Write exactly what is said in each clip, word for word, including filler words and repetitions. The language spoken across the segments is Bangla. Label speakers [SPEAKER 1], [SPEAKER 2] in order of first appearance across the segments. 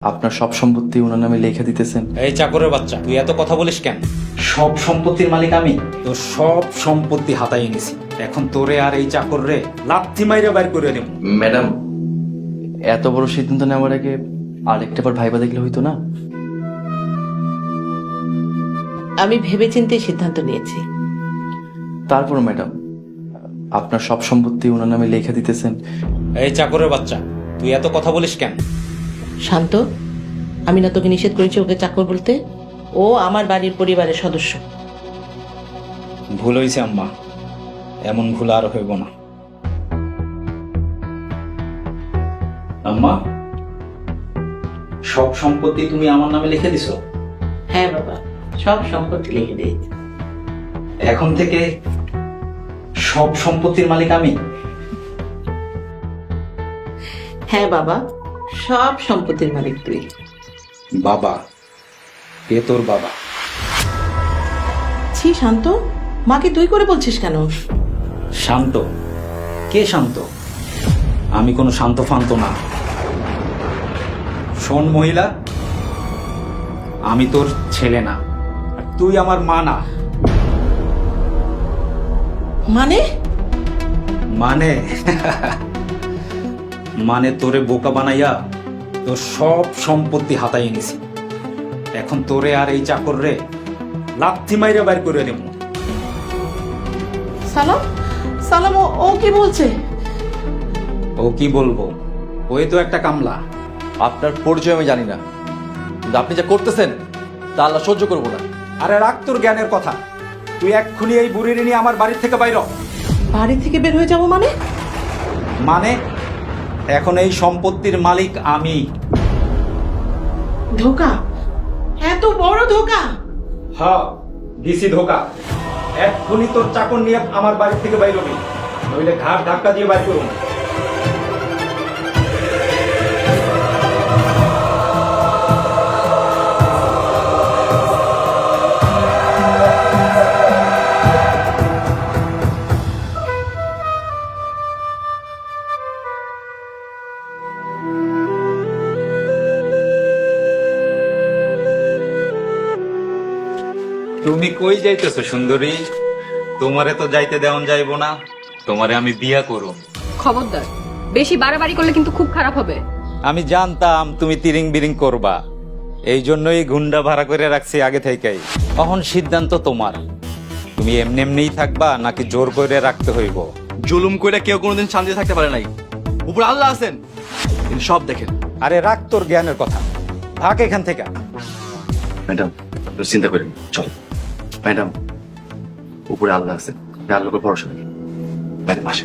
[SPEAKER 1] আপনার সব সম্পত্তি ওনার নামে লিখে দিতেছেন।
[SPEAKER 2] এই চাকরের বাচ্চা, তুই এত কথা বলিস কেন?
[SPEAKER 1] সব সম্পত্তির মালিক আমি।
[SPEAKER 2] তোর সব সম্পত্তি হাতায় নিছি, এখন তোরে আর এই চাকর রে লাথি মাইরে বাইর করে দেব।
[SPEAKER 1] ম্যাডাম, এত বড় সিদ্ধান্ত নেওয়ার আগে আরেকটা বার ভাইবা দেখলে হইতো না?
[SPEAKER 3] আমি ভেবেচিন্তে সিদ্ধান্ত নিয়েছি।
[SPEAKER 1] তারপর ম্যাডাম, আপনার সব সম্পত্তি ওনার নামে লিখে দিতেছেন।
[SPEAKER 2] এই চাকরের বাচ্চা, তুই এত কথা বলিস কেন?
[SPEAKER 3] শান্ত, আমি না তোকে নিষেধ করেছি ওকে চাকর বলতে? ও আমার বাড়ির পরিবারের সদস্য।
[SPEAKER 2] ভুল হয়েছে আম্মা, এমন ভুল আর হইব না। আম্মা, সব সম্পত্তি তুমি আমার নামে লিখে দিছো?
[SPEAKER 3] হ্যাঁ বাবা, সব সম্পত্তি লিখে দিয়েছি।
[SPEAKER 2] এখন থেকে সব সম্পত্তির মালিক আমি?
[SPEAKER 3] হ্যাঁ বাবা, সব সম্পত্তির মালিক তুই।
[SPEAKER 2] বাবা? কে তোর বাবা?
[SPEAKER 3] ছি শান্ত, মাকে তুই করে বলছিস কেন?
[SPEAKER 2] শান্ত? কে শান্ত? আমি কোনো শান্ত ফান্ত না। শোন মহিলা, আমি তোর ছেলে না, আর তুই আমার মা না।
[SPEAKER 3] মানে?
[SPEAKER 2] মানে মানে তোরে বোকা বানাইয়া তোর সব সম্পত্তি হাতায় নিছি, এখন তোরে আর এই চাকর রে লাথি মাইরে বাইর করে দেব।
[SPEAKER 3] সালাম, সালাম, ও- ও কি বলছে?
[SPEAKER 2] ও কি বলবো, ওই তো একটা কামলা।
[SPEAKER 1] আপনার পরিচয় আমি জানি না, কিন্তু আপনি যা করতেছেন তা আল্লাহ সহ্য করবো না।
[SPEAKER 2] আরে রাখ তোর জ্ঞানের কথা, তুই এক্ষুনি এই বুড়ির নিয়ে আমার বাড়ির থেকে বাইর হ।
[SPEAKER 3] বাড়ি থেকে বের হয়ে যাবো মানে?
[SPEAKER 2] মানে এখন এই সম্পত্তির মালিক আমি।
[SPEAKER 3] ধোকা, এত বড় ধোকা!
[SPEAKER 2] হ্যাঁ, দিছি ধোকা। এক্ষুনি তোর চাকর নিয়ে আমার বাড়ি থেকে বাইর হবি, নইলে ঘাট ধাক্কা দিয়ে বাইর করুন। তুমি কই যাইতেছো সুন্দরী? তোমারে তো যাইতে দেওয়ান যাইব না, তোমারে আমি বিয়া করুম।
[SPEAKER 4] খবরদার, বেশি বাড়াবাড়ি করলে কিন্তু খুব খারাপ হবে।
[SPEAKER 2] আমি জানতাম তুমি তিরিং বিরিং করবা, এই জন্যই গুন্ডা ভাড়া করে রাখছি আগে থেকেই। এখন সিদ্ধান্ত তোমার, তুমি এমনি এমনিই থাকবা নাকি জোর করে রাখতে হইব?
[SPEAKER 1] জুলুম করে কেউ কোনোদিন শান্তি থাকতে পারে নাই। উপর আল্লাহ আছেন, তিনি সব দেখেন।
[SPEAKER 2] আরে রাখ তোর জ্ঞানের কথা, থাক এখান থেকে।
[SPEAKER 1] ম্যাডাম, চিন্তা করেন, চল। ম্যাডাম, উপরে আল্লাহ আছেন, আল্লাহর উপর ভরসা নেই। ম্যাডাম আসেন।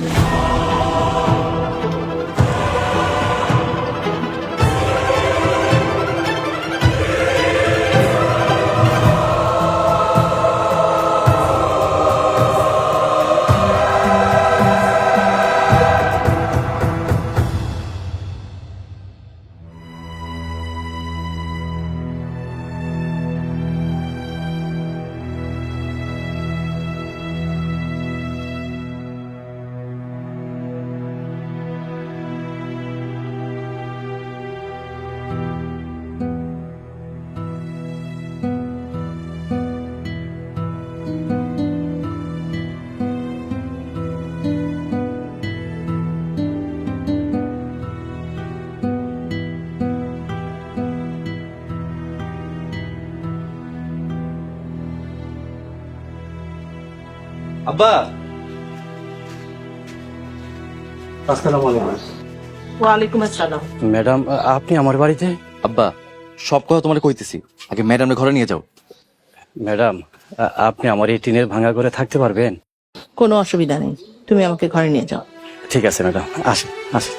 [SPEAKER 1] আব্বা, আসসালামু আলাইকুম।
[SPEAKER 3] ওয়ালাইকুম আসসালাম।
[SPEAKER 1] ম্যাডাম, আপনি আমার বাড়িতে? আব্বা, সব কথা তোমার কইতেছি, আগে ম্যাডামের ঘরে নিয়ে যাও।
[SPEAKER 5] ম্যাডাম, আ- আপনি আমার এই টিনের ভাঙা ঘরে থাকতে পারবেন?
[SPEAKER 3] কোনো অসুবিধা নেই, তুমি আমাকে ঘরে নিয়ে যাও।
[SPEAKER 5] ঠিক আছে ম্যাডাম, আসেন আসেন।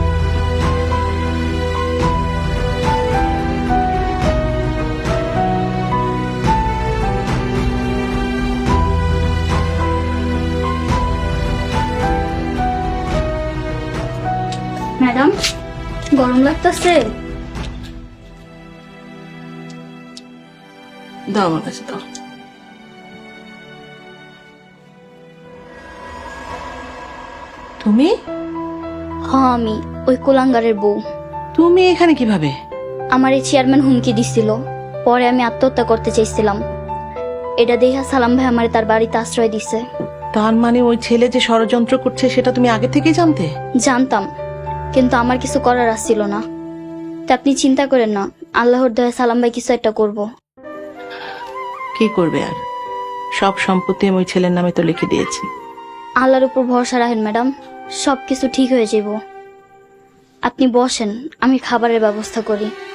[SPEAKER 6] ম্যাডাম, গরম লাগতেছে?
[SPEAKER 3] দাও আমার কাছে দাও। তুমি?
[SPEAKER 6] হ্যাঁ, আমি ওই কোলাঙ্গারের বউ।
[SPEAKER 3] তুমি এখানে কিভাবে?
[SPEAKER 6] আমার এই চেয়ারম্যান হুমকি দিছিল, পরে আমি আত্মহত্যা করতে চাইছিলাম। এটা দেখা সালাম ভাই আমার তার বাড়িতে আশ্রয় দিছে।
[SPEAKER 3] তার মানে ওই ছেলে যে ষড়যন্ত্র করছে সেটা তুমি আগে থেকেই জানতে?
[SPEAKER 6] জানতাম, কিন্তু আমার কিছু করার আসছিল না। তা আপনি চিন্তা করেন না, আল্লাহর দয়া সালাম ভাই কিছু একটা করব।
[SPEAKER 3] কি করবে আর, সব সম্পত্তি আমি ওই ছেলের নামে তো লিখে দিয়েছি।
[SPEAKER 6] আল্লাহর উপর ভরসা রাখেন ম্যাডাম, সব কিছু ঠিক হয়ে যাব। আপনি বসেন, আমি খাবারের ব্যবস্থা করি।